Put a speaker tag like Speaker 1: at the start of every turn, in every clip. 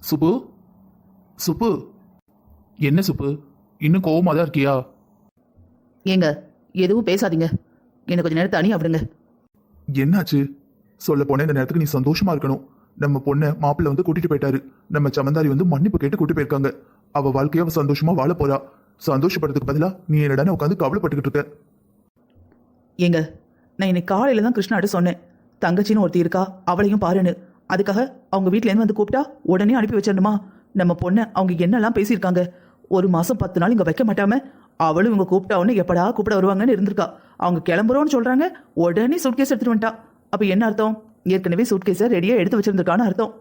Speaker 1: சுப்பு, சுப்பு, என்ன சுப்பு, இன்னும் கோவமா தான் இருக்கியா?
Speaker 2: ஏங்க எதுவும் பேசாதீங்க, எனக்கு கொஞ்ச நேரம் தனியா விடுங்க.
Speaker 1: என்னாச்சு? சொல்ல போன இந்த நேரத்துக்கு நீ சந்தோஷமா இருக்கணும். நம்ம பொண்ணை மாப்பிள்ளை வந்து கூட்டிட்டு போயிட்டாரு. நம்ம சமந்தாரி வந்து மன்னிப்பு கேட்டு கூட்டி போயிருக்காங்க. அவ வாழ்க்கைய அவ சந்தோஷமா வாழ போறா. சந்தோஷப்படுறதுக்கு பதிலா நீ என்னடா உட்காந்து கவலைப்பட்டுக்கிட்டு இருக்க?
Speaker 2: ஏங்க நான் இன்னைக்கு காலையில தான் கிருஷ்ணாட்ட சொன்னேன், தங்கச்சின்னு ஒருத்தி இருக்கா, அவளையும் பாருன்னு. அதுக்காக அவங்க வீட்டிலேருந்து வந்து கூப்பிட்டா உடனே அனுப்பி வச்சிடணுமா? நம்ம பொண்ணை அவங்க என்னெல்லாம் பேசியிருக்காங்க. 1 மாசம் 10 நாள் இங்க வைக்க மாட்டாம அவளும் இவங்க கூப்பிட்டா உடனே எப்படா கூப்பிட வருவாங்கன்னு இருந்திருக்கா. அவங்க கிளம்புறோன்னு சொல்றாங்க, உடனே சூட்கேஸ் எடுத்துட்டு வந்துட்டா. அப்ப என்ன அர்த்தம்? ஏற்கனவே சூட்கேஸை ரெடியா எடுத்து வச்சிருந்திருக்கான்னு அர்த்தம்.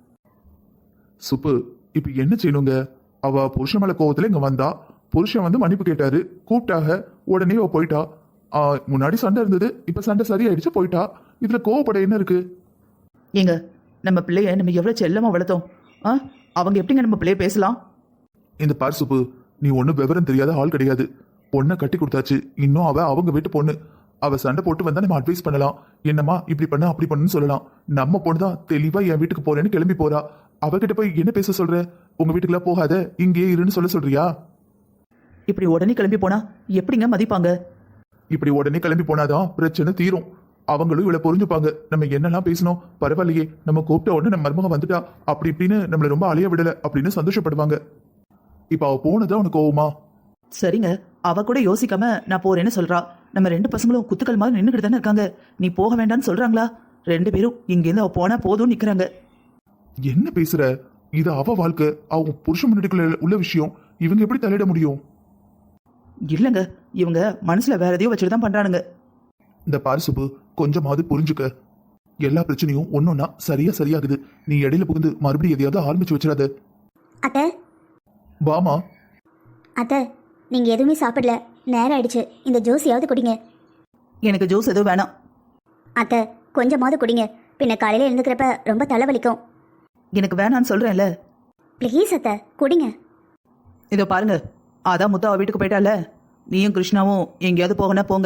Speaker 1: சுப்பு, இப்ப என்ன செய்யணுங்க? அவ புருஷன் மேல கோவத்துல இங்க வந்தா, புருஷன் வந்து மன்னிப்பு கேட்டாரு, கூப்பிட்டாக, உடனே அவ போயிட்டா. முன்னாடி சண்டை இருந்தது, இப்ப சண்டை சரியாயிடுச்சு, போயிட்டா. இதுல கோவப்பட என்ன இருக்கு?
Speaker 2: ஏங்க நம்ம பிள்ளைய நம்ம எவ்வளவு செல்லமா வளர்த்தோம். அவங்க எப்படிங்க நம்ம பிள்ளைய பேசலாம்?
Speaker 1: இந்த பார் சுப்பு, நீ ஒன்னும் விவரம் தெரியாத ஆள் கிடையாது. பொண்ணை கட்டி கொடுத்தாச்சு, இன்னும் அவ அவங்க வீட்டு பொண்ணு. அவ சண்டை போட்டு வந்தா நம்ம அட்வைஸ் பண்ணலாம், என்னம்மா இப்படி பண்ண அப்படி பண்ணுன்னு சொல்லலாம். நம்ம பொண்ணு தான் தெளிவா என் வீட்டுக்கு போறேன்னு கிளம்பி போறா. அவகிட்ட போய் என்ன பேச சொல்ற? உங்க வீட்டுக்குலாம் போகாத, இங்கேயே இருன்னு சொல்றியா?
Speaker 2: இப்படி உடனே கிளம்பி போனா எப்படிங்க மதிப்பாங்க?
Speaker 1: இப்படி உடனே கிளம்பி போனாதான் பிரச்சனை தீரும். அவங்களும் இவ்வளவு புரிஞ்சுப்பாங்க. நம்ம என்னெல்லாம் பேசணும், பரவாயில்லையே, நம்ம கூப்பிட்ட உடனே நம்ம மருமக வந்துட்டா, அப்படி இப்படின்னு நம்மள ரொம்ப அலைய விடல அப்படின்னு சந்தோஷப்படுவாங்க. இப்ப அவ போனதான் உனக்கு கோவமா?
Speaker 2: சரிங்க, அவ கூட யோசிக்காம நான் போறேன்னு சொல்றா. நம்ம 2 பசங்களும் குத்துக்கள் மாதிரி நின்றுகிட்டு தானே இருக்காங்க. நீ போக வேண்டாம்னு சொல்றாங்களா? 2 பேரும் இங்கேருந்து அவ போனா போதும் நிக்கிறாங்க.
Speaker 1: என்ன பேசுற? இது அவ வாழ்க்கை, அவங்க புருஷ முன்னாடிக்குள்ள உள்ள விஷயம். இவங்க எப்படி தலையிட முடியும்?
Speaker 2: இல்லங்க, இவங்க மனசுல வேற எதையோ வச்சுட்டு தான் பண்றானுங்க.
Speaker 1: இந்த பாரு சுப்பு, கொஞ்சமாவது புரிஞ்சுக்க. எல்லா பிரச்சனையும் ஒன்னொன்னா சரியாகுது. நீ இடையில புகுந்து மறுபடியும் எதையாவது ஆரம்பிச்சு வச்சிடாத.
Speaker 3: அத்தை,
Speaker 1: வாமா.
Speaker 3: அத்தை, நீங்க எதுவுமே சாப்பிடல, நேரம் ஆயிடுச்சு. இந்த ஜூஸையாவது குடிங்க.
Speaker 2: எனக்கு ஜூஸ் எதுவும் வேணாம்.
Speaker 3: அத்தை, கொஞ்சமாவது குடிங்க, பின்ன காலையில எழுந்துக்கிறப்ப ரொம்ப தலைவலிக்கும்.
Speaker 2: எனக்கு வேணான்னு சொல்றேன்ல.
Speaker 3: ப்ளீஸ் அத்தை, குடிங்க.
Speaker 2: இதோ பாருங்க, அதான் முத்தா அவ வீட்டுக்கு போயிட்டால. நீயும் கிருஷ்ணாவும் எங்கேயாவது போகனா போங்க.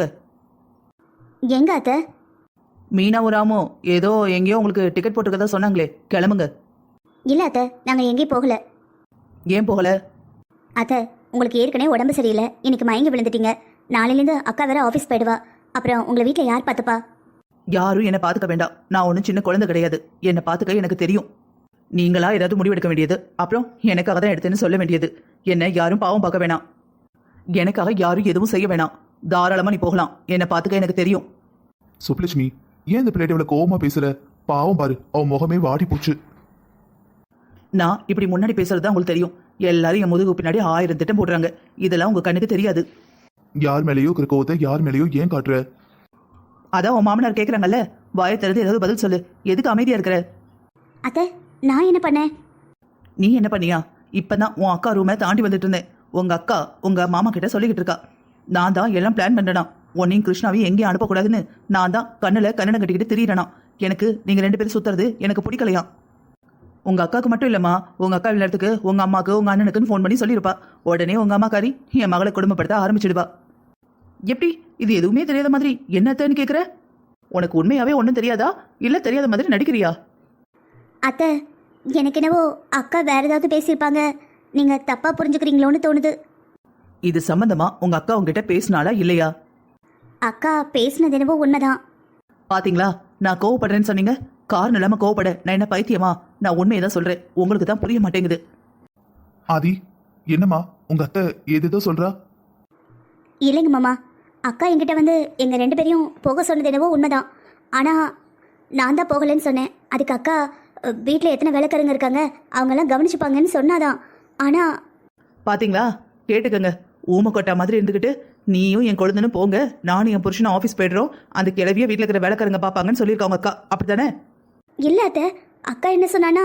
Speaker 3: எங்க அத்தை?
Speaker 2: மீனாவும் ராமும் ஏதோ எங்கேயோ உங்களுக்கு டிக்கெட் போட்டுக்கதான் சொன்னாங்களே, கிளம்புங்க.
Speaker 3: இல்ல அத்தை, நாங்க எங்கேயும் போகல.
Speaker 2: ஏன் போகல?
Speaker 3: அத்தை, உங்களுக்கு ஏற்கனவே உடம்பு சரியில்லை, இன்னைக்கு மயங்கி விழுந்துட்டீங்க. நாளையிலேருந்து அக்கா வேற ஆஃபீஸ் போயிடுவா. அப்புறம் உங்களை வீட்டில் யார் பார்த்துப்பா?
Speaker 2: யாரும் என்னை பார்த்துக்க வேண்டாம். நான் ஒன்றும் சின்ன குழந்தை கிடையாது. என்னை பார்த்துக்க எனக்கு தெரியும். நீங்களா ஏதாவது முடிவெடுக்க வேண்டியது, அப்புறம் எனக்காக தான் எடுத்தேன்னு சொல்ல வேண்டியது. என்னை யாரும் பாவம் பார்க்க வேணாம். எனக்காக யாரும் எதுவும் செய்ய வேணாம். தாராளமா நீ போகலாம். என்னை பார்த்துக்க எனக்கு தெரியும்.
Speaker 1: சுப்லட்சுமி, ஏன் இந்த பிள்ளைகிட்ட இவ்வளவு கோவமா பேசுற? பாவம் பாரு, அவன் முகமே வாடி போச்சு.
Speaker 2: நான் இப்படி முன்னாடி பேசுறது உங்களுக்கு தெரியும். எல்லாரும் என் முதுகு பின்னாடி 1000 திட்டம் போடுறாங்க. இதெல்லாம் உங்க கண்ணுக்கு தெரியாது.
Speaker 1: யார் மேலேயோ இருக்கிற கோவத்தை யார் மேலேயோ ஏன் காட்டுற?
Speaker 2: அதான் உன் மாமனார் கேட்கறாங்கல்ல, வாயை திறந்து ஏதாவது பதில் சொல்லு. எதுக்கு அமைதியா இருக்கிற?
Speaker 3: அத்தை, நான் என்ன பண்ணேன்?
Speaker 2: நீ என்ன பண்ணியா? இப்பதான் உன் அக்கா ரூமை தாண்டி வந்துட்டு இருந்தேன். உங்க அக்கா உங்க மாமா கிட்ட சொல்லிக்கிட்டு இருக்கா, நான் தான் எல்லாம் பிளான் பண்ணனா, உன்னையும் கிருஷ்ணாவையும் எங்கேயும் அனுப்பக்கூடாதுன்னு நான் தான் கண்ணுல கண்ணனை கட்டிக்கிட்டு திரியறனா. எனக்கு நீங்க 2 பேரும் சுத்துறது எனக்கு பிடிக்கலையா? உங்க அக்காவுக்கு மட்டும் இல்லம்மா, உங்க அக்கா நேரத்துக்கு உங்க அம்மாக்கு உங்க அண்ணனுக்குன்னு ஃபோன் பண்ணி சொல்லியிருப்பா. உடனே உங்க அம்மாக்காரி என் மகளை குடும்பப்படுத்த ஆரம்பிச்சிடுவா. எப்படி இது எதுவுமே தெரியாத மாதிரி என்னத்தன்னு கேக்குற? உனக்கு உண்மையாவே ஒன்றும் தெரியாதா, இல்ல தெரியாத மாதிரி நடிக்கிறியா?
Speaker 3: அத்தை, எனக்கு என்னவோ அக்கா வேற ஏதாவது பேசியிருப்பாங்க, நீங்க தப்பா புரிஞ்சுக்கிறீங்களோன்னு தோணுது.
Speaker 2: இது சம்பந்தமா உங்க அக்கா உங்ககிட்ட பேசினாலா இல்லையா?
Speaker 3: அக்கா பேசினது என்னவோ உண்மைதான்.
Speaker 2: பாத்தீங்களா, நான் கோவப்படுறேன்னு சொன்னீங்க. காரணம் இல்லாம கோவப்பட நான் என்ன பைத்தியமா? நான் உண்மையை தான் சொல்றேன், உங்களுக்கு தான் புரிய மாட்டேங்குது.
Speaker 1: ஆதி, என்னம்மா உங்க அத்தை ஏதேதோ சொல்றா?
Speaker 3: இல்லைங்க மாமா, அக்கா என்கிட்ட வந்து எங்க 2 பேரையும் போக சொன்னது என்னவோ உண்மைதான். ஆனா நான் தான் போகலன்னு சொன்னேன். அதுக்கு அக்கா வீட்டில் எத்தனை வேலைக்காரங்க இருக்காங்க, அவங்கெல்லாம் கவனிச்சுப்பாங்கன்னு சொன்னாதான். ஆனா
Speaker 2: பாத்தீங்களா, கேட்டுக்கங்க. ஊமை கொட்டா மாதிரி இருந்துக்கிட்டு நீயும் என் குழந்தைன்னு போங்க, நானும் என் புருஷனும் ஆஃபீஸ் போய்டுறோம், அந்த கிளவிய வீட்டில் இருக்கிற வேலைக்காரங்க பார்ப்பாங்கன்னு சொல்லியிருக்காங்க அக்கா. அப்படித்தானே?
Speaker 3: இல்லை அத்தை, அக்கா என்ன சொன்னான்னா,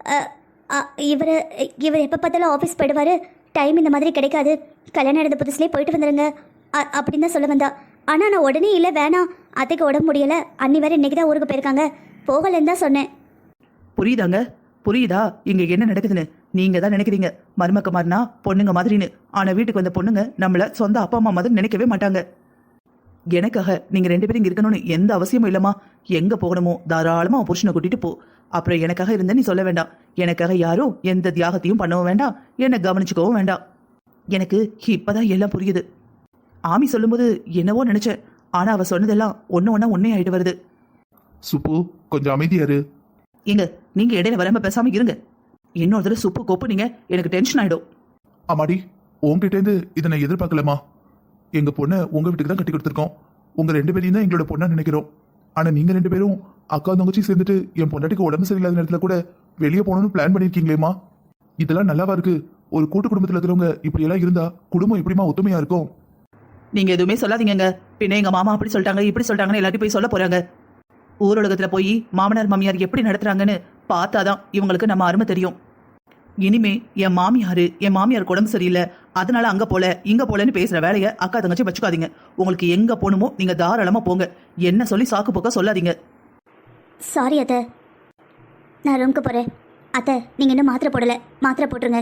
Speaker 3: இவர் எப்போ பார்த்தாலும் ஆஃபீஸ் போயிடுவார், டைம் இந்த மாதிரி கிடைக்காது, கல்யாணம் நடந்த புதுசுலேயே போயிட்டு வந்துடுங்க அப்படின்னு தான் சொல்ல வந்தா. ஆனால் நான் உடனே இல்லை வேணாம், அத்தைக்கு உடம்பு முடியலை, அன்னி வேறு இன்றைக்கி தான் ஊருக்கு போயிருக்காங்க, போகலன்னு தான் சொன்னேன்.
Speaker 2: புரியுதாங்க? புரியுதா இங்க என்ன நடக்குதுன்னு? நீங்க தான் நினைக்கிறீங்க மருமக்க மாதிரினா பொண்ணுங்க மாதிரின்னு. ஆனா வீட்டுக்கு வந்த பொண்ணுங்க நம்மள சொந்த அப்பா அம்மா மாதிரி நினைக்கவே மாட்டாங்க. எனக்காக நீங்க 2 பேரும் இங்க இருக்கணும்னு எந்த அவசியமும் இல்லம்மா. எங்க போகணுமோ தாராளமா உன் புருஷனை கூட்டிட்டு போ. அப்புறம் எனக்காக இருந்த நீ சொல்ல வேண்டாம். எனக்காக யாரும் எந்த தியாகத்தையும் பண்ணவும் வேண்டாம், என்னை கவனிச்சுக்கவும் வேண்டாம். எனக்கு இப்பதான் எல்லாம் புரியுது. ஆமி சொல்லும்போது என்னவோ நினைச்சேன், ஆனா அவ சொன்னதெல்லாம் ஒண்ணு ஒண்ணா உண்மை ஆயிட்டு வருது.
Speaker 1: சுப்பு கொஞ்சம் அமைதியாரு.
Speaker 2: ஏங்க நீங்க இடையில வராம பேசாம இருங்க. இன்னொரு தடவை சுப்பு கோப்பு நீங்க எனக்கு டென்ஷன் ஆயிடும்.
Speaker 1: ஆமாடி, உங்ககிட்ட இருந்து இதை நான் எதிர்பார்க்கலமா. எங்க பொண்ணை உங்க வீட்டுக்கு தான் கட்டி கொடுத்துருக்கோம். உங்க 2 பேரையும் தான் எங்களோட பொண்ணா நினைக்கிறோம். ஆனா நீங்க 2 பேரும் அக்கா தங்கச்சி சேர்ந்துட்டு என் பொண்டாட்டிக்கு உடம்பு சரியில்லாத நேரத்துல கூட வெளியே போகணும்னு பிளான் பண்ணிருக்கீங்களேமா. இதெல்லாம் நல்லாவா இருக்கு? ஒரு கூட்டு குடும்பத்துல இருக்கிறவங்க இப்படி எல்லாம் இருந்தா குடும்பம் எப்படிமா ஒத்துமையா இருக்கும்?
Speaker 2: நீங்க எதுவுமே சொல்லாதீங்க. பின்ன எங்க மாமா அப்படி சொல்லிட்டாங்க இப்படி சொல்லிட்டாங்கன்னு எல்லாத்தையும் போய் சொல்ல போறாங்க. ஊரடகத்துல போய் மாமனார் மாமியார் எப்படி நடத்துறாங்கன்னு பார்த்தாதான் இவங்களுக்கு நம்ம அருமை தெரியும். இனிமே என் மாமியார் உடம்பு சரியில்லை அதனால அங்க போல இங்க போலன்னு பேசுற வேலையை அக்கா தங்கச்சி வச்சுக்காதீங்க. உங்களுக்கு எங்க போகணுமோ நீங்க தாராளமா போங்க. என்ன சொல்லி சாக்கு போக்க சொல்லாதீங்க.
Speaker 3: சாரி அத்தை, நான் ரூமுக்கு போகிறேன். அத்தை நீங்கள் இன்னும் மாத்திரை போடலை, மாத்திரை போட்டுருங்க.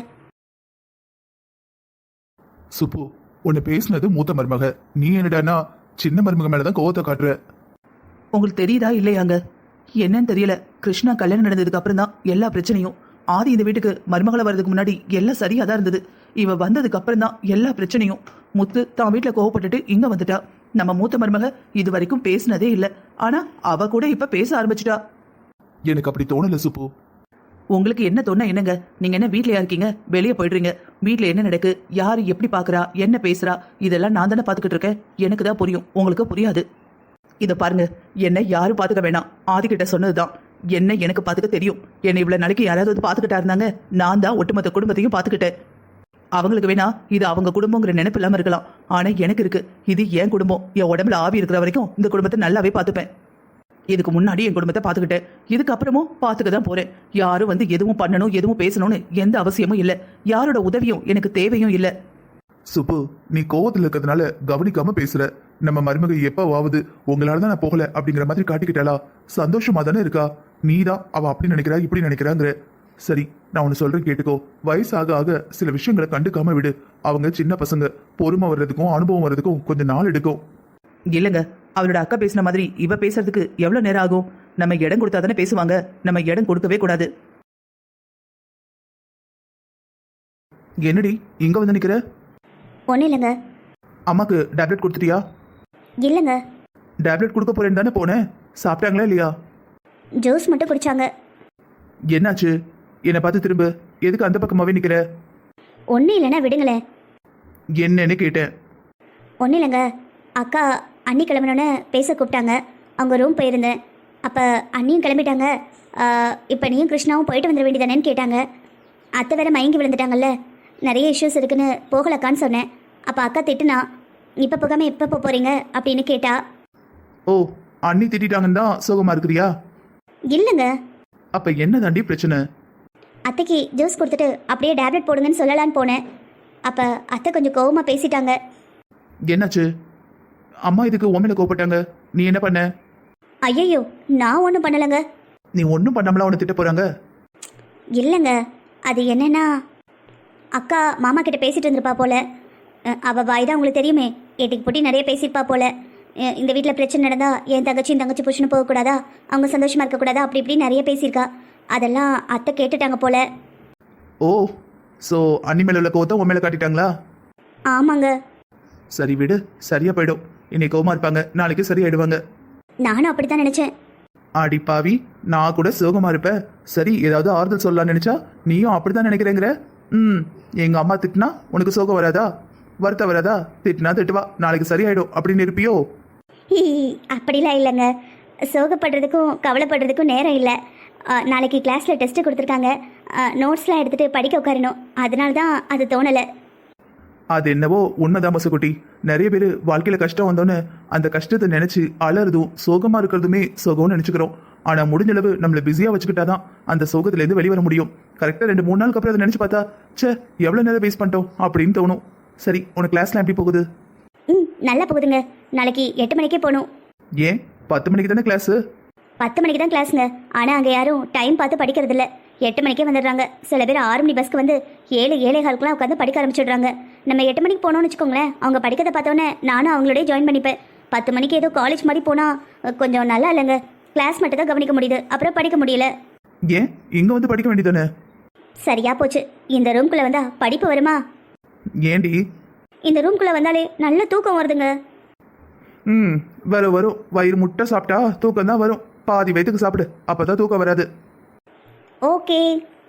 Speaker 1: சுப்பு, உன்னை பேசினது மூத்த மருமக. நீ என்னடானா சின்ன மருமக மேலதான் கோவத்தை காட்டுற.
Speaker 2: உங்களுக்கு தெரியுதா இல்லையாங்க? என்னன்னு தெரியல. கிருஷ்ணா கல்யாணம் நடந்ததுக்கு அப்புறம் தான் எல்லா பிரச்சனையும். ஆதி இந்த வீட்டுக்கு மருமகளை வர்றதுக்கு முன்னாடி எல்லாம் சரியா தான் இருந்தது. இவ வந்ததுக்கு அப்புறம் தான் எல்லா பிரச்சனையும். முத்து தான் வீட்டுல கோவப்பட்டுட்டு இங்க வந்துட்டா. நம்ம மூத்த மருமக இது வரைக்கும் பேசினதே இல்லை. ஆனா அவ கூட இப்ப பேச ஆரம்பிச்சிட்டா.
Speaker 1: எனக்கு அப்படி தோணல சுப்பு.
Speaker 2: உங்களுக்கு என்ன தோணா என்னங்க? நீங்க என்ன வீட்லயா இருக்கீங்க? வெளியே போயிடுறீங்க. வீட்டுல என்ன நடக்கு, யாரு எப்படி பாக்குறா, என்ன பேசுறா, இதெல்லாம் நான் தானே பாத்துக்கிட்டு இருக்கேன். எனக்கு தான் புரியும், உங்களுக்கு புரியாது. இத பாருங்க, என்ன யாரும் பாத்துக்க வேணாம். ஆதிக்கிட்ட சொன்னதுதான். என்ன எனக்கு பாத்துக்க தெரியும். என்னை இவ்வளவு நாளைக்கு யாராவது வந்து பாத்துக்கிட்டா இருந்தாங்க. நான் தான் ஒட்டுமொத்த குடும்பத்தையும் பாத்துக்கிட்டேன். அவங்களுக்கு வேணா இது அவங்க குடும்பங்கிற நினைப்பு இல்லாம இருக்கலாம். ஆனா எனக்கு இருக்கு, இது என் குடும்பம். என் உடம்புல ஆவி இருக்கிற வரைக்கும் இந்த குடும்பத்தை நல்லாவே பாத்துப்பேன். இதுக்கு முன்னாடி என் குடும்பத்தை பாத்துக்கிட்டேன், இதுக்கு அப்புறமும் பாத்துக்க தான் போறேன். யாரும் வந்து எதுவும் பண்ணணும் எதுவும் பேசணும்னு எந்த அவசியமும் இல்லை. யாரோட உதவியும் எனக்கு தேவையும் இல்லை.
Speaker 1: சுப்பு, நீ கோவத்துல இருக்கிறதுனால கவனிக்காம பேசுற. நம்ம மருமக எப்பவாவது உங்களாலதான் நான் போகல அப்படிங்கிற மாதிரி காட்டிக்கிட்டாளா? சந்தோஷமா தானே இருக்கா? நீதான் அவ அப்படி நினைக்கிறா இப்படி நினைக்கிறாங்கிற. சரி, நான் ஒன்னு சொல்றேன் கேட்டுக்கோ. வயசாக ஆக சில விஷயங்களை கண்டுக்காம விடு. அவங்க சின்ன பசங்க, பொறுமை வர்றதுக்கும் அனுபவம் வர்றதுக்கும் கொஞ்சம் நாள் எடுக்கும்.
Speaker 2: இல்லங்க, அவளோட அக்கா பேசின மாதிரி இவ பேசுறதுக்கு எவ்வளவு நேரம் ஆகும்? நம்ம இடம் கொடுத்தா தானே பேசுவாங்க. நம்ம இடம் கொடுக்கவே கூடாது.
Speaker 1: என்னடி இங்க வந்து நிக்கிற?
Speaker 3: ஒன்றும் இல்லைங்க.
Speaker 1: அம்மாக்கு டேப்லெட் கொடுத்துட்டியா?
Speaker 3: இல்லைங்க,
Speaker 1: டேப்லெட் கொடுக்க போறேன்னு தானே போனேன். சாப்பிட்டாங்களா இல்லையா?
Speaker 3: ஜூஸ் மட்டும் குடிச்சாங்க.
Speaker 1: என்னாச்சு? என்னை பார்த்து திரும்ப. எதுக்கு அந்த பக்கமாவே நிக்கிற?
Speaker 3: ஒன்றும் இல்லைன்னா விடுங்களேன்.
Speaker 1: என்னன்னு கேட்டேன்.
Speaker 3: ஒன்றும் இல்லைங்க, அக்கா அண்ணி கிளம்பினோன்னு பேச கூப்பிட்டாங்க. அவங்க ரூம் போயிருந்தேன். அப்போ அண்ணியும் கிளம்பிட்டாங்க. இப்போ நீயும் கிருஷ்ணாவும் போயிட்டு வந்துட வேண்டியதானேன்னு கேட்டாங்க. அத்தை வேற மயங்கி விழுந்துட்டாங்கல்ல, நிறைய இஷ்யூஸ் இருக்குன்னு போகலக்கான்னு சொன்னேன். அப்போ அக்கா திட்டுனா, இப்போ போகாமல் எப்போ போக போகிறீங்க அப்படின்னு கேட்டா.
Speaker 1: ஓ, அண்ணி திட்டாங்கன்னு தான் சோகமா இருக்கிறியா?
Speaker 3: இல்லைங்க,
Speaker 1: அப்ப என்ன தாண்டி பிரச்சனை?
Speaker 3: அத்தைக்கு ஜூஸ் கொடுத்துட்டு அப்படியே டேப்லெட் போடுங்கன்னு சொல்லலான்னு போனேன். அப்போ அத்தை கொஞ்சம் கோவமாக பேசிட்டாங்க.
Speaker 1: என்னாச்சு? அம்மா இதுக்கு உண்மையில கோவப்பட்டாங்க. நீ என்ன பண்ண?
Speaker 3: ஐயோ, நான் ஒன்றும் பண்ணலைங்க.
Speaker 1: நீ ஒன்றும் பண்ணாமலாம் உன்னை திட்ட போறாங்க?
Speaker 3: இல்லைங்க, அது என்னன்னா, அக்கா மாமா கிட்ட பேசிட்டு இருந்திருப்பா போல. அவள் வாய் தான் உங்களுக்கு தெரியுமே, ஏட்டிக்கு போட்டி நிறைய பேசியிருப்பா போல. இந்த வீட்டில் பிரச்சனை நடந்தா என் தங்கச்சி புருஷனு போகக்கூடாதா, அவங்க சந்தோஷமா இருக்கக்கூடாதா, அப்படி இப்படி நிறைய பேசியிருக்கா. அதெல்லாம் அத்தை கேட்டுட்டாங்க போல.
Speaker 1: ஓ, ஸோ அண்ணி மேல உள்ள கோவத்தை உன் மேல காட்டிட்டாங்களா?
Speaker 3: ஆமாங்க.
Speaker 1: சரி விடு, சரியா போயிடும். இன்னைக்கு கோவமா இருப்பாங்க, நாளைக்கு சரியாயிடுவாங்க.
Speaker 3: நானும் அப்படித்தான் நினைச்சேன்.
Speaker 1: ஆடி பாவி, நான் கூட சோகமா இருப்பேன். சரி, ஏதாவது ஆறுதல் சொல்லலாம்னு நினைச்சா நீயும் அப்படித்தான் நினைக்கிறேங்கிற. எங்க அம்மா திட்டினா உனக்கு சோகம் வராதா? வருத்தம் வராதா? திட்டினா திட்டுவா, நாளைக்கு சரியாயிடும் அப்படின்னு இருப்பியோ?
Speaker 3: அப்படிலாம் இல்லைங்க, சோகப்படுறதுக்கும் கவலைப்படுறதுக்கும் நேரம் இல்லை. நாளைக்கு கிளாஸில் டெஸ்ட்டு கொடுத்துருக்காங்க. நோட்ஸ்லாம் எடுத்துகிட்டு படிக்க உட்காரணும். அதனால தான் அது தோணலை.
Speaker 1: அது என்னவோ உண்மைதான் மசுக்குட்டி. நிறைய பேர் வாழ்க்கையில கஷ்டம் வந்தோன்னு அந்த கஷ்டத்தை நினைச்சு அலறதும் சோகமா இருக்கிறதுமே சோகம்னு நினைச்சுக்கிறோம். ஆனா முடிஞ்சளவு நம்மளை பிஸியா வச்சுக்கிட்டாதான் அந்த சோகத்துல இருந்து வெளிவர முடியும். கரெக்டா 2-3 நாளுக்கு அப்புறம் அதை நினைச்சு பார்த்தா, சே எவ்வளவு நேரம் வேஸ்ட் பண்ணிட்டோம் அப்படின்னு தோணும். சரி, உனக்கு கிளாஸ்லாம் எப்படி போகுது?
Speaker 3: நல்லா போகுதுங்க. நாளைக்கு 8 மணிக்கே போகணும்.
Speaker 1: ஏன் 10 மணிக்கு தானே கிளாஸ்?
Speaker 3: 10 மணிக்கு தான் கிளாஸுங்க. ஆனால் அங்கே யாரும் டைம் பார்த்து படிக்கிறது இல்லை. 8 மணிக்கே வந்துடுறாங்க. சில பேர் 6 மணி பஸ்க்கு வந்து 7-7:15 உட்காந்து படிக்க ஆரம்பிச்சிடுறாங்க. நம்ம 8 மணிக்கு போனோம்னு வச்சுக்கோங்களேன், அவங்க படிக்கிறத பார்த்தோன்னே நானும் அவங்களோடய ஜாயின் பண்ணிப்பேன். 10 மணிக்கு ஏதோ காலேஜ் மாதிரி போனால் கொஞ்சம் நல்லா இல்லைங்க. கிளாஸ் மட்டும் தான் கவனிக்க முடியுது, அப்புறம் படிக்க முடியல.
Speaker 1: ஏன் இங்க வந்து படிக்க வேண்டியதானே?
Speaker 3: சரியா போச்சு. இந்த ரூம்குள்ளே வந்தா படிப்பு வருமா?
Speaker 1: ஏண்டி?
Speaker 3: இந்த ரூம்குள்ளே வந்தாலே நல்ல தூக்கம் வருதுங்க.
Speaker 1: வரும். வயிறு முட்டை சாப்பிட்டா தூக்கம் தான் வரும். பாதி வயிற்றுக்கு சாப்பிடு, அப்பதான் தூக்கம் வராது.
Speaker 3: ஓகே.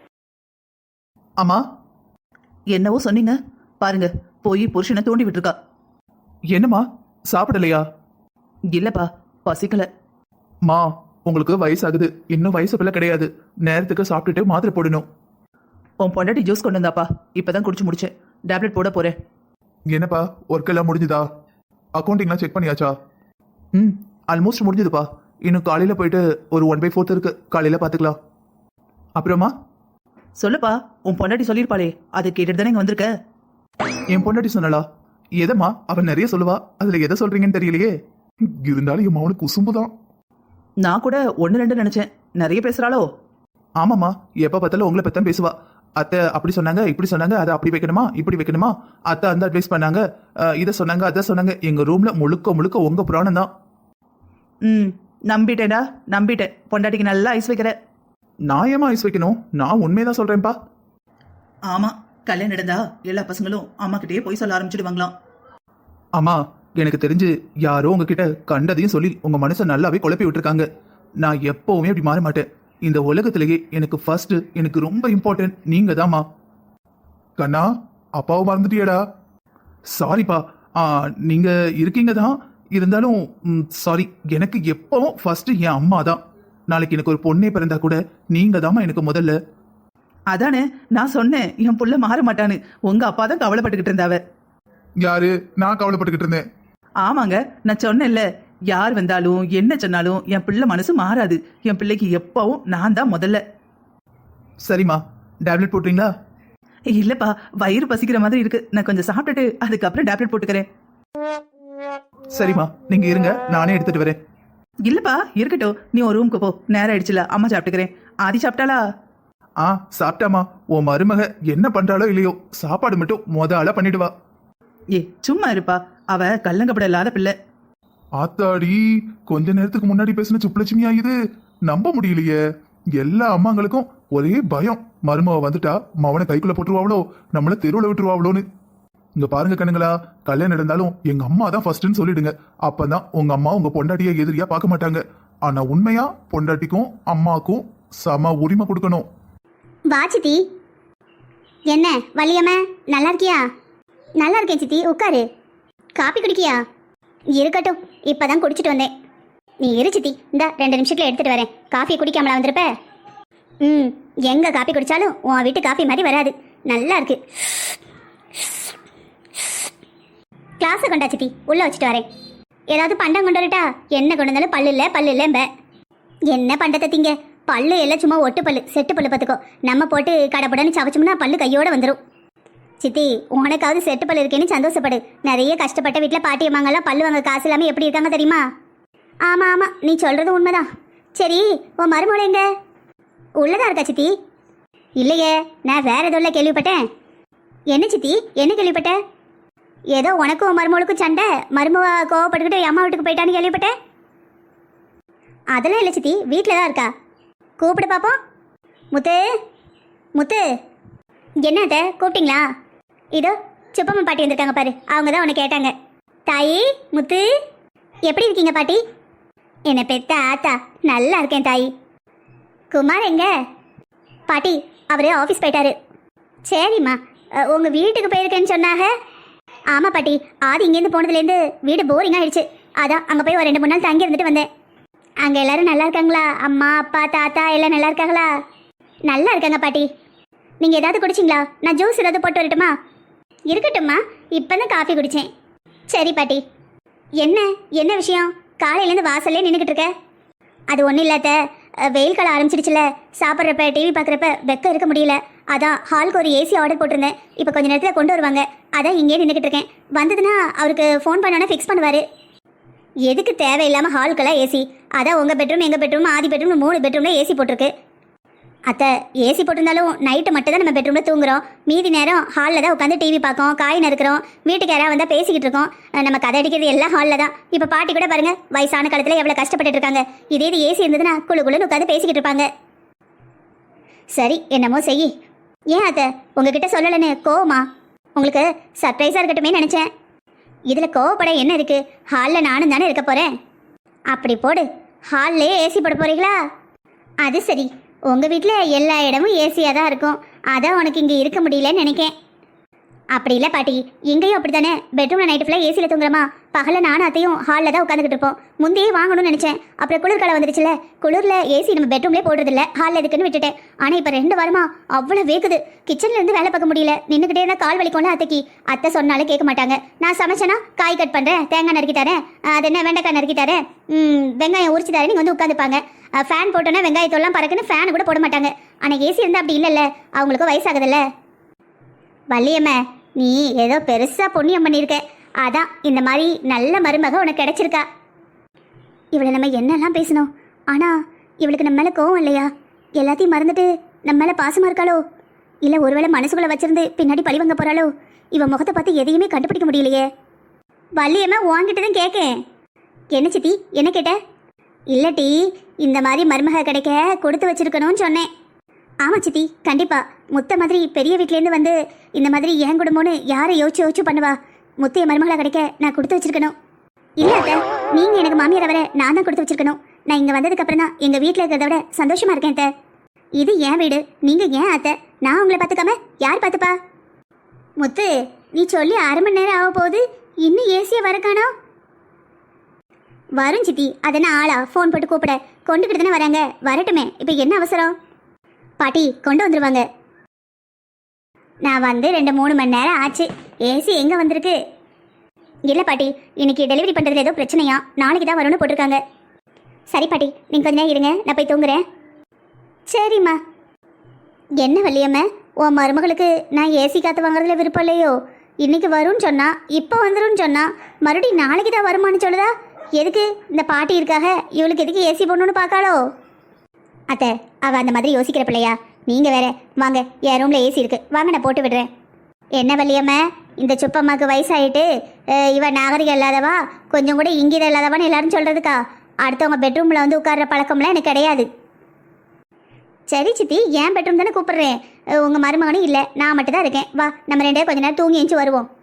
Speaker 1: அம்மா,
Speaker 2: என்னவோ சொன்னீங்க பாருங்க, போய் புருஷனை தூண்டி விட்டுருக்கா.
Speaker 1: என்னம்மா சாப்பிடலையா?
Speaker 2: இல்லப்பா, பசிக்கல.
Speaker 1: மா, உங்களுக்கு வயசாகுது, இன்னும் வயசு பிள்ளை கிடையாது. நேரத்துக்கு சாப்பிட்டுட்டு மாத்திரை போடணும்.
Speaker 2: உன் பொண்டாட்டி ஜூஸ் கொண்டு வந்தாப்பா, இப்பதான் குடிச்சு முடிச்சேன். டேப்லெட் போட போறேன்.
Speaker 1: என்னப்பா, ஒர்க் எல்லாம் முடிஞ்சுதா? அக்கௌண்டிங்லாம் செக் பண்ணியாச்சா? ஆல்மோஸ்ட் முடிஞ்சதுப்பா. இன்னும் காலையில போயிட்டு ஒரு 1/4 இருக்கு, காலையில பாத்துக்கலாம். அப்புறமா
Speaker 2: சொல்லுப்பா, உன் பொண்டாட்டி சொல்லியிருப்பாளே, அதை கேட்டுட்டு தானே இங்க வந்திருக்க.
Speaker 1: என் பொண்டாட்டி சொன்னாளா? எதம்மா, அவன் நிறைய சொல்லுவா, அதுல எதை சொல்றீங்கன்னு தெரியலையே. இருந்தாலும் என் மவனுக்கு குசும்புதான்.
Speaker 2: நான் கூட 1-2 நினைச்சேன், நிறைய பேசுறாளோ?
Speaker 1: ஆமாம்மா, எப்ப பார்த்தாலும் உங்களை பத்தான் பேசுவா. அத்தை அப்படி சொன்னாங்க, இப்படி சொன்னாங்க, அதை அப்படி வைக்கணுமா, இப்படி வைக்கணுமா, அத்தை அந்த அட்வைஸ் பண்ணாங்க, இதை சொன்னாங்க, அதை சொன்னாங்க. எங்க ரூம்ல முழுக்க முழுக்க உங்க புராணம் தான்.
Speaker 2: நம்பிட்டேடா, நம்பிட்டேன். பொண்டாட்டிக்கு நல்லா ஐஸ் வைக்கிற.
Speaker 1: நான் ஏமா ஐஸ் வைக்கணும்? நான் உண்மையதான் சொல்றேன்ப்பா.
Speaker 2: ஆமா, கல்யாணம் நடந்தா எல்லா பசங்களும் அம்மா கிட்டே போய் சொல்ல ஆரம்பிச்சிடுவாங்களாம்.
Speaker 1: அம்மா, எனக்கு தெரிஞ்சு யாரோ உங்ககிட்ட கண்டதையும் சொல்லி உங்க மனசை நல்லாவே குழப்பி விட்டுருக்காங்க. நான் எப்பவுமே அப்படி மாற மாட்டேன். இந்த உலகத்திலேயே எனக்கு ஃபர்ஸ்ட், எனக்கு ரொம்ப இம்பார்ட்டன்ட் நீங்க தான்மா. கண்ணா, அப்பாவை மறந்துட்டியடா? சாரிப்பா. நீங்க இருக்கீங்க தான், இருந்தாலும் சாரி. எனக்கு எப்பவும் ஃபர்ஸ்ட் என் அம்மா தான். நாளைக்கு எனக்கு ஒரு பொண்ணே பிறந்தா கூட நீங்க தாம்மா எனக்கு முதல்ல.
Speaker 2: அதானே நான் சொன்னேன், என் புள்ள மாற மாட்டான்னு. உங்க அப்பா தான் கவலைப்பட்டுக்கிட்டு இருந்தாவ.
Speaker 1: யாரு? நான் கவலைப்பட்டுக்கிட்டு இருந்தேன்.
Speaker 2: ஆமாங்க, நான் சொன்னேன்ல, யார் வந்தாலும் என்ன சொன்னாலும் என் பிள்ளை மனசு மாறாது. என் பிள்ளைக்கு எப்பவும் நான் தான் முதல்ல.
Speaker 1: சரிம்மா, டேப்லெட் போட்டுறீங்களா?
Speaker 2: இல்லப்பா, வயிறு பசிக்கிற மாதிரி இருக்கு. நான் கொஞ்சம் சாப்பிட்டுட்டு அதுக்கப்புறம் டேப்லெட் போட்டுக்கிறேன்.
Speaker 1: சரிம்மா, நீங்க இருங்க, நானே எடுத்துட்டு வரேன்.
Speaker 2: இல்லப்பா, இருக்கட்டும். நீ ஒரு ரூமுக்கு போ, நேரம் ஆயிடுச்சுல. அம்மா சாப்பிட்டுக்கிறேன். ஆதி சாப்பிட்டாளா?
Speaker 1: சாப்பிட்டாமா. உன் மருமக என்ன பண்றாளோ இல்லையோ, சாப்பாடு மட்டும் ஆளா பண்ணிடுவா.
Speaker 2: சும்மா இருப்பா, அவ கல்லங்கப்பட இல்லாத பிள்ளை.
Speaker 1: ஆத்தாடி, கொஞ்ச நேரத்துக்கு முன்னாடி பேசின சுப்புலட்சுமியா இது? நம்ப முடியலையே. எல்லா அம்மாங்களுக்கும் ஒரே பயம், மருமக வந்துட்டா மவனை கைக்குள்ள போட்டுருவாவளோ, நம்மள தெருவுல விட்டுருவாவளோன்னு. இங்க பாருங்க கண்ணுங்களா, கல்யாணம் நடந்தாலும் எங்க அம்மா தான் ஃபர்ஸ்ட்னு சொல்லிடுங்க. அப்பதான் உங்க அம்மா உங்க பொண்டாட்டிய எதிரியா பார்க்க மாட்டாங்க. ஆனா உண்மையா பொண்டாட்டிக்கும் அம்மாக்கும் சம உரிமை கொடுக்கணும்.
Speaker 3: வா சித்தி. என்ன வள்ளியம்மா, நல்லா இருக்கியா? நல்லா இருக்கேன் சித்தி, உட்காரு. காப்பி குடிக்கியா? இருக்கட்டும், இப்பதான் குடிச்சிட்டு வந்தேன். நீ இரு சித்தி, இந்த 2 நிமிஷத்துல எடுத்துட்டு வரேன். காஃபி குடிக்காமலா வந்திருப்ப? எங்க காப்பி குடிச்சாலும் உன் வீட்டு காஃபி மாதிரி வராது. நல்லா இருக்கு. கிளாஸை கொண்டா சித்தி, உள்ள வச்சுட்டு வரேன். ஏதாவது பண்டம் கொண்டு வரட்டா? என்ன கொண்டு வந்தாலும் பல்லு இல்லைம்ப. என்ன பண்டத்தை திங்க? பல்லு எல்லாம் சும்மா ஒட்டு பல்லு, செட்டு பல்லு பார்த்துக்கோ. நம்ம போட்டு கடைப்படன்னு சவச்சோம்னா பல்லு கையோட வந்துடும். சித்தி, உனக்காவது செட்டு பல்லு இருக்கேன்னு சந்தோஷப்படு. நிறைய கஷ்டப்பட்ட வீட்டில் பாட்டி அம்மாங்கெல்லாம் பல்லு வாங்க காசு இல்லாமல் எப்படி இருக்காங்க தெரியுமா? ஆமாம் ஆமாம், நீ சொல்கிறது உண்மைதான். சரி, உன் மருமகள் எங்க? உள்ளதா இருக்கா சித்தி? இல்லையே, நான் வேற எதுவும் கேள்விப்பட்டேன். என்ன சித்தி, என்ன கேள்விப்பட்ட? ஏதோ உனக்கும் உன் மருமகளுக்கும் சண்டை, மருமவ கோவப்பட்டுக்கிட்டு அம்மா வீட்டுக்கு போயிட்டான்னு கேள்விப்பட்டேன். அதெல்லாம் இல்லை சித்தி, வீட்டில் தான் இருக்கா. கூப்பிடு பாப்போம். முத்து, முத்து. என்ன அத்தை, கூப்பிட்டீங்களா? இதோ சுப்பம்மா பாட்டி வந்திருக்காங்க பாரு, அவங்க தான் உன்னை கேட்டாங்க. தாயி, முத்து, எப்படி இருக்கீங்க பாட்டி? என்னை பெத்த ஆத்தா, நல்லா இருக்கேன் தாயி. குமார் எங்க? பாட்டி, அவரு ஆஃபீஸ் போயிட்டாரு. சரிம்மா, உங்கள் வீட்டுக்கு போயிருக்கேன்னு சொன்னாங்க. ஆமாம் பாட்டி, ஆதி இங்கேருந்து போனதுலேருந்து வீடு போரிங் ஆயிடுச்சு. அதான் அங்கே போய் ஒரு 2-3 நாள் தங்கி இருந்துட்டு வந்தேன். அங்கே எல்லாரும் நல்லா இருக்காங்களா? அம்மா அப்பா தாத்தா எல்லாம் நல்லா இருக்காங்களா? நல்லா இருக்காங்க பாட்டி. நீங்கள் ஏதாவது குடிச்சிங்களா? நான் ஜூஸ் ஏதாவது போட்டு வரட்டுமா? இருக்கட்டும்மா, இப்போ தான் காஃபி குடித்தேன். சரி பாட்டி. என்ன விஷயம்? காலையிலேருந்து வாசல்லே நின்றுக்கிட்டு இருக்க? அது ஒன்றும் இல்லாத, வெயில் காலம் ஆரம்பிச்சிடுச்சுல, சாப்பிட்றப்ப டிவி பார்க்குறப்ப வெக்கம் இருக்க முடியல. அதான் ஹாலுக்கு ஒரு ஏசி ஆர்டர் போட்டிருந்தேன். இப்போ கொஞ்சம் நேரத்தில் கொண்டு வருவாங்க. அதான் இங்கே நின்றுக்கிட்டு இருக்கேன். வந்ததுன்னா அவருக்கு ஃபோன் பண்ணோன்னா ஃபிக்ஸ் பண்ணுவார். எதுக்கு தேவையில்லாமல் ஹாலுக்கெல்லாம் ஏசி? அதான் உங்கள் பெட்ரூம், எங்கள் பெட்ரூம், ஆதி பெட்ரூம், 3 பெட்ரூமில் ஏசி போட்டிருக்கு. அத்தை ஏசி போட்டிருந்தாலும் நைட்டு மட்டும் தான் நம்ம பெட்ரூமில் தூங்குறோம். மீதி நேரம் ஹாலில் தான் உட்காந்து டிவி பார்க்கோம், காய் நறுக்கிறோம், வீட்டுக்கு யாராவது வந்தால் பேசிக்கிட்டு இருக்கோம். நம்ம கதை அடிக்கிறது எல்லாம் ஹாலில் தான். இப்போ பாட்டி கூட பாருங்க, வயசான காலத்தில் எவ்வளோ கஷ்டப்பட்டுட்டு இருக்காங்க. இதே இது ஏசி இருந்ததுன்னா குழு குழுன்னு உட்காந்து பேசிக்கிட்டு இருப்பாங்க. சரி என்னமோ செய். ஏன் அத்தை உங்ககிட்ட சொல்லலைன்னு கோவமா? உங்களுக்கு சர்ப்ரைஸாக இருக்கட்டுமே நினச்சேன். இதில் கோவப்பட என்ன இருக்கு? ஹாலில் நானும் தானே இருக்க போகிறேன். அப்படி போடு, ஹால்லே ஏசி போட போறீங்களா? அது சரி, உங்கள் வீட்டில் எல்லா இடமும் ஏசியாக தான் இருக்கும். அதான் உனக்கு இங்கே இருக்க முடியலன்னு நினைக்கேன். அப்படி இல்லை பாட்டி, இங்கேயும் அப்படி தானே. பெட்ரூமில் நைட்டு ஃபுல்லாக ஏசியில் தூங்குறோமா? பகலில் நானும் அத்தையும் ஹாலில் தான் உட்காந்துக்கிட்டு இருப்போம். முந்தையே வாங்கணும்னு நினச்சேன். அப்புறம் குளிர்காலம் வந்துடுச்சுல, குளிரில் ஏசி நம்ம பெட்ரூம்லேயே போடுறதில்ல, ஹாலில் இருக்குன்னு விட்டுட்டேன். ஆனால் இப்போ 2 வாரமா அவ்வளோ வேக்குது. கிச்சன்லேருந்து வேலை பார்க்க முடியல. நின்றுக்கிட்டே இருந்தால் கால் வலிக்கோன்னு அத்தைக்கு. அத்தை சொன்னாலும் கேட்க மாட்டாங்க. நான் சமைச்சேன்னா காய் கட் பண்ணுறேன், தேங்காய் நறுக்கி தரேன், அது என்ன வெண்டைக்காய் நறுக்கி தரேன், வெங்காயம் உரிச்சு தரேன், நீங்கள் வந்து உட்காந்துப்பாங்க. ஃபேன் போட்டோன்னா வெங்காயத்தெல்லாம் பறக்குன்னு ஃபேன் கூட போட மாட்டாங்க. ஆனால் ஏசி இருந்தால் அப்படி இல்லைல்ல, அவங்களுக்கும் வயசாகுதுல்ல. வள்ளியம்மா, நீ ஏதோ பெருசாக புண்ணியம் பண்ணியிருக்க. அதான் இந்த மாதிரி நல்ல மருமக உனக்கு கிடைச்சிருக்கா. இவளை நம்ம என்னெல்லாம் பேசணும், ஆனால் இவளுக்கு நம்ம மேலே கோவம் இல்லையா? எல்லாத்தையும் மறந்துட்டு நம்ம மேலே பாசமாக இருக்காளோ? இல்லை ஒருவேளை மனசுக்குள்ளே வச்சிருந்து பின்னாடி பழி வாங்க போகிறாளோ? இவன் முகத்தை பார்த்து எதையுமே கண்டுபிடிக்க முடியலையே. வள்ளியம்மா உன்கிட்ட தான் கேட்கேன். என்ன சித்தி, என்ன கேட்ட? இல்லட்டி, இந்த மாதிரி மருமக கிடைக்க கொடுத்து வச்சிருக்கணும்னு சொன்னேன். ஆமாம் சித்தி, கண்டிப்பாக. முத்த மாதிரி பெரிய வீட்டிலேருந்து வந்து இந்த மாதிரி ஏன் குடும்பம்னு யாரை யோசிச்சு பண்ணுவா? முத்தைய மருமகளாக கிடைக்க நான் கொடுத்து வச்சிருக்கணும். இல்லை அத்தை, நீங்கள் எனக்கு மாமியாரை வர நான் தான் கொடுத்து வச்சிருக்கணும். நான் இங்கே வந்ததுக்கப்புறம் தான் எங்கள் வீட்டில் இருக்கிறத விட சந்தோஷமாக இருக்கேன் அத்தை. இது என் வீடு, நீங்கள் ஏன் அத்தை? நான் உங்களை பார்த்துக்காம யார் பார்த்துப்பா? முத்து, நீ சொல்லி 1/2 மணி நேரம் ஆக போகுது, இன்னும் ஏசியை வர காணோம். வரும் சித்தி, அதென்ன ஆளா ஃபோன் போட்டு கூப்பிட? கொண்டுக்கிட்டு தானே வராங்க, வரட்டுமே. இப்போ என்ன அவசரம்? பாட்டி கொண்டு வந்துருவாங்க. நான் வந்து 2-3 மணி நேரம் ஆச்சு. ஏசி எங்கே வந்திருக்கு? இல்லை பாட்டி, இன்னைக்கு டெலிவரி பண்ணுறதுல ஏதோ பிரச்சனையா, நாளைக்கு தான் வரும்னு போட்டிருக்காங்க. சரி பாட்டி, நீங்கள் கொஞ்ச நேரம் இருங்க, நான் போய் தூங்குறேன். சரிம்மா. என்ன வள்ளியம்மா, உன் மருமகளுக்கு நான் ஏசி காற்று வாங்குறதுல விருப்பம் இல்லையோ? இன்னைக்கு வரும்னு சொன்னா, இப்போ வந்துடும் சொன்னா, மறுபடியும் நாளைக்கு தான் வருமானு சொல்லுதா? எதுக்கு? இந்த பாட்டி இருக்காக, இவளுக்கு எதுக்கு ஏசி போடணும்னு பார்க்காளோ? அத்தை, அவள் அந்த மாதிரி யோசிக்கிற பிள்ளையா? நீங்கள் வேற. வாங்க, என் ரூமில் ஏசி இருக்குது, வாங்க நான் போட்டு விடுறேன். என்ன வள்ளியம்மா, இந்த சுப்பம்மாவுக்கு வயசாகிட்டு இவன் நாகரிகம் இல்லாதவா, கொஞ்சம் கூட இங்கீதம் இல்லாதவான்னு எல்லாரும் சொல்கிறதுக்கா? அடுத்தவங்க பெட்ரூமில் வந்து உட்கார்ற பழக்கம்லாம் எனக்கு கிடையாது. சரி சித்தி, என் பெட்ரூம் தானே கூப்பிட்றேன். உங்கள் மருமகனும் இல்லை, நான் மட்டும் தான் இருக்கேன். வா, நம்ம 2 பேரும் கொஞ்ச நேரம் தூங்கி எழுந்து வருவோம்.